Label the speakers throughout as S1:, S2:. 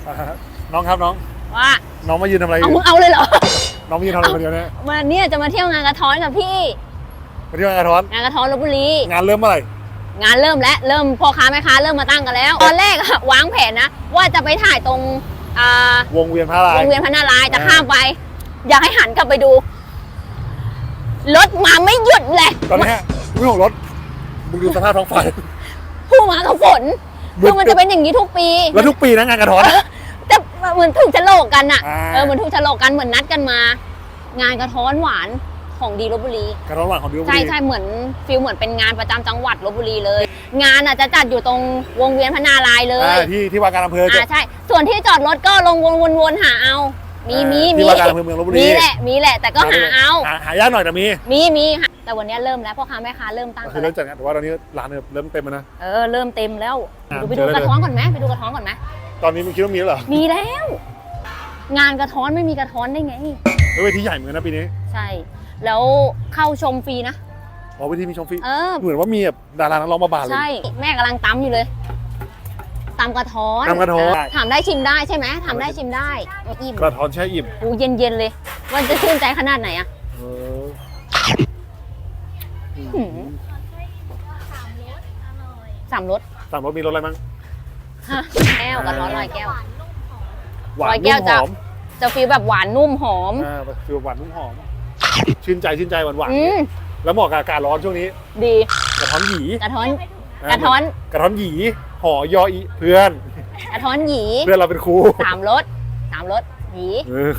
S1: น้องครับน้อง
S2: ว่า
S1: น้องมายืนทำอะไรอ
S2: เอา
S1: ยู่
S2: มึงเอาเลยเหรอ
S1: น้องมายืนทำอะไรคนเดียวเนี่ย
S2: มาเนี่ยจะมาเที่ยวงานกระท้อนกับพี่
S1: มาเที่ยวงานกระท้อน
S2: งานกระท้อนลพบุรี
S1: งานเริ่มเมื่อไหร่
S2: งานเริ่มแล้วเริ่มพ่อค้าแม่ค้าเริ่มมาตั้งกันแล้ว ตอนแรกอะวางแผนนะว่าจะไปถ่ายตรง
S1: วงเวียนพระนารายณ์
S2: วงเวียนพระนารายณ์จะข้ามไป อยากให้หันกลับไปดูรถมาไม่หยุดเลย
S1: ตอนนี้วิ่งของรถมึงดูสภาพท้องฟ้า
S2: ผู้มากับฝนคือมันจะเป็นอย่างนี้ทุกปี
S1: แล้วทุกปีนะงานกระท้อน
S2: แต่เหมือนถูกฉลกกันอะ
S1: อ่า
S2: เหมือนถูกฉลกกันเหมือนนัดกันมา งานกระท้อนหวานของดีลพบุรี
S1: กระท้อนหวานของดิวบุ
S2: ใช่
S1: รี
S2: ใช่เหมือนฟิลเหมือนเป็นงานประจำจังหวัดลพบุรีเลย งานอ่ะจะจัดอยู่ตรงวงเวียนพระนารายณ์เลย
S1: ที่ว่าการอำเภอจะ
S2: ใช่ส่วนที่จอดรถก็ลงวนๆหาเอา มี
S1: ที่ว่าการอำเภอเมืองลพบุรี
S2: มีแหละแต่ก็หาเอา
S1: หายากหน่อยแต่มี
S2: มีแต่วันนี้เริ่มแล้วพ่อค้าแม่ค้าเริ่มตั้ง
S1: ก็
S2: กั
S1: คื
S2: น
S1: อ
S2: แล้
S1: เริ่มจัดงานแต่ว่าตอนนี้ร้านเนี่ยเริ่มเต็มแล้วนะ
S2: เริ่มเต็มแล้ว
S1: อ่ะ
S2: ไปดู
S1: เจอเลย
S2: กระท้อนก่อนไหมไปดูกระท้อนก่อนไหม
S1: ตอนนี้มึงคิดว่ามีแล้วเหรอ
S2: มีแล้ว งานกระท้อนไม่มีกระท้อนได้ไง
S1: เวทีใหญ่เหมือนกันนะปีนี้
S2: ใช่ แล้วเข้าชมฟรีนะ
S1: อ๋อเวทีมีชมฟรี
S2: เออ
S1: เหมือนว่ามีแบบดารานักร้องมาบานเลย
S2: ใช่แม่กำลังตำอยู่เลยตำกระท้อน
S1: ตำกระท้อน
S2: ถามได้ชิมได้ใช่ไหมถามได้ชิมได้อิ่ม
S1: กระท้อนแช่อิ่ม
S2: โอ้เย็นๆเลยมันจะชื่นใจขนาดไหนอะ
S1: เออ
S2: หืม สามรส
S1: สามรสมีรสอะไรบ้าง
S2: ฮะแก้วกระท้อนลอยแก้ว
S1: หวาน
S2: ร้อยแก้
S1: นุ่
S2: ว
S1: มหอม
S2: จะฟีลแบบหวานนุ่มหอม
S1: คือหวานนุ่มหอมชื่นใจหวานหวาน
S2: อืม
S1: แล้วเหมาะกับอากาศร้อนช่วงนี้
S2: ดี
S1: กระท้อนหยี
S2: กระท้อนกระท้อน
S1: กระท้อนหยีห่อยออีเพื่อน
S2: กระท้อนหยี
S1: เพื่อนเราเป็นครู
S2: สามรสหยี
S1: เออ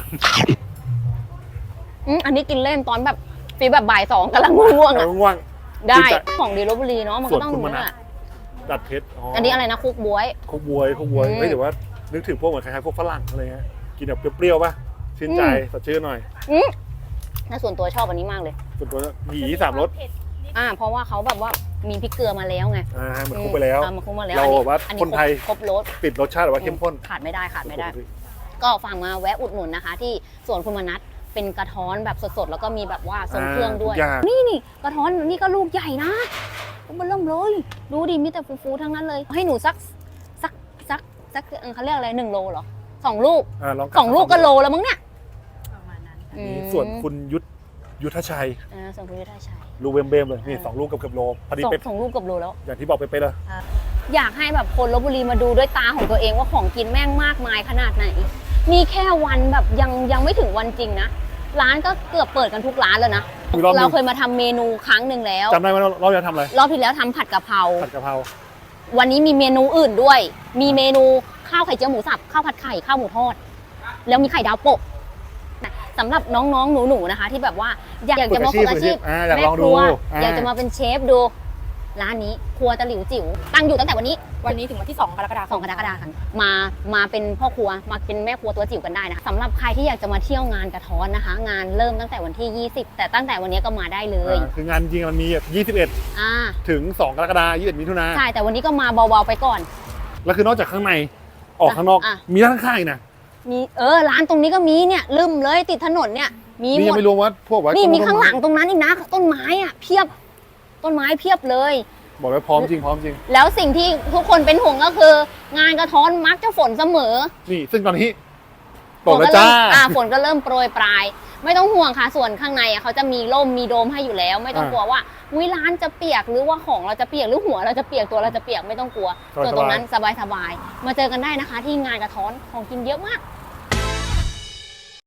S2: อันนี้กินเล่นตอนแบบฟีลแบบบ่ายสองกำลังง่วงๆ
S1: เอา
S2: อะ
S1: ง่วง
S2: ได้
S1: ชื่นใจ
S2: ของดีลพบุรีเนาะมันก็ต้อง
S1: ส่วนคุณ
S2: รู้
S1: มนัส
S2: อะ
S1: ดัดเพชร
S2: อันนี้อะไรนะคุกบ๊วย
S1: คุกบวย
S2: อืม
S1: เฮ้ยแต่ว่านึกถึงพวกเหมือนคล้ายๆพวกฝรั่งอะไรเงี้ยกินแบบเปรี้ยวๆป่ะชื่นใจสดชื่นหน่อย
S2: น่าส่วนตัวชอบอันนี้มากเลย
S1: ส่วนตัวหยีสามรส
S2: เพราะว่าเขาแบบว่ามีพริกเกลือมาแล้วไง
S1: มันคุกไปแล้ว
S2: มันคุกมาแล้ว
S1: เราแบบว่า
S2: อันนี้
S1: คนไทย
S2: ครบรส
S1: ติดรสชาติแบบว่าเข้มข้น
S2: ขาดไม่ได้ ก็ฟังมาแวะอุดหนุนนะคะ ที่สวนคุณมนัสเป็นกระท้อนแบบสดๆแล้วก็มีแบบว่าทรงเครื่องด้วย
S1: ทุกอย่าง
S2: นี่กระท้อนนี่ก็ลูกใหญ่นะมันเริ่มเลยดูดิมีแต่ฟูๆทั้งนั้นเลย ให้หนูสักเขาเรียกอะไร1 โลเหรอ2 ลูก
S1: ลอง
S2: 2 ลูกก็โลแล้วมั้งเนี่ย
S3: ประมาณนั้น
S2: อืม
S1: ส่วนคุณยุทธชัย
S2: ส่วนคุณยุทธชัย
S1: ลูกเบมๆเลยนี่2 ลูกเกือบโลพอดีเป๊ะ
S2: สองลูกกับโลแล้ว
S1: อย่างที่บอกไปเลย
S2: อยากให้แบบคนลพบุรีมาดูด้วยตาของตัวเองว่าของกินแม่งมากมายขนาดไหน มีแค่วันแบบยังไม่ถึงวันจริงนะ ร้านก็เกือบเปิดกันทุกร้านแล้วนะ เราเคยมาทำเมนูครั้งหนึ่งแล้ว
S1: จำได้ไหมเราจะทำอะไร
S2: รอบที่แล้วทำผัดกะเพรา
S1: ผัดกะเพรา
S2: วันนี้มีเมนูอื่นด้วย มีเมนูข้าวไข่เจียวหมูสับ ข้าวผัดไข่ ข้าวหมูทอด แล้วมีไข่ดาวโปะสำหรับน้องๆ หนูๆ นะคะ ที่แบบว่าอยากจะมาฝึกอาชีพ
S1: อยาก
S2: แม่
S1: ลอง
S2: ค
S1: ดู
S2: รัวอยากจะมาเป็นเชฟดู ร้านนี้ครัวตะหลิวจิ๋วตั้งอยู่ตั้งแต่วันนี้
S3: วันนี้ถึงวันที่ 2 กรกฎาค
S2: 2
S3: ม
S2: กรกฎาคมมาเป็นพ่อครัวมาเป็นแม่ครัวตัวจิ๋วกันได้นะคะสำหรับใครที่อยากจะมาเที่ยวงานกระท้อนนะคะ งานเริ่มตั้งแต่วันที่ 20 แต่ตั้งแต่วันนี้ก็มาได้เลย
S1: คืองานจริงมันมี21 ถึง 2 กรกฎาคม21 มิถุนา
S2: ใช่แต่วันนี้ก็มาเบาๆไปก่อน
S1: แล้วคือนอกจากข้างในออกข้างนอก มีด้านข้างอีกนะ
S2: มีร้านตรงนี้ก็มีเนี่ยลืมเลยติดถนนเนี่ยมี
S1: นี่
S2: หม
S1: ยัง
S2: ด
S1: ไม่รวมว่าพวกว่า
S2: นี่มี
S1: ต้น
S2: ข้างหลังตรงนั้นอีกนะต้นไม้อะเพียบต้นไม้เพียบเลย
S1: บอกไว้พร้อมจริง
S2: แล้วสิ่งที่ทุกคนเป็นห่วงก็คือ งานกระท้อนมักจะฝนเสมอ
S1: นี่ซึ่งตอนนี้ตกแล้วจ้า
S2: ฝนก็เริ่มโปรยปลาย ไม่ต้องห่วงค่ะส่วนข้างในเขาจะมีร่มมีโดมให้อยู่แล้ว ไม่ต้องกลัวว่าร้านจะเปียกหรือว่าของเราจะเปียกหรือหัวเราจะเปียกตัวเราจะเปียกไม่ต้องกลัวส่วนตรงนั้นสบายๆมาเจอกันได้นะคะ ที่งานกระท้อนของกินเยอะมาก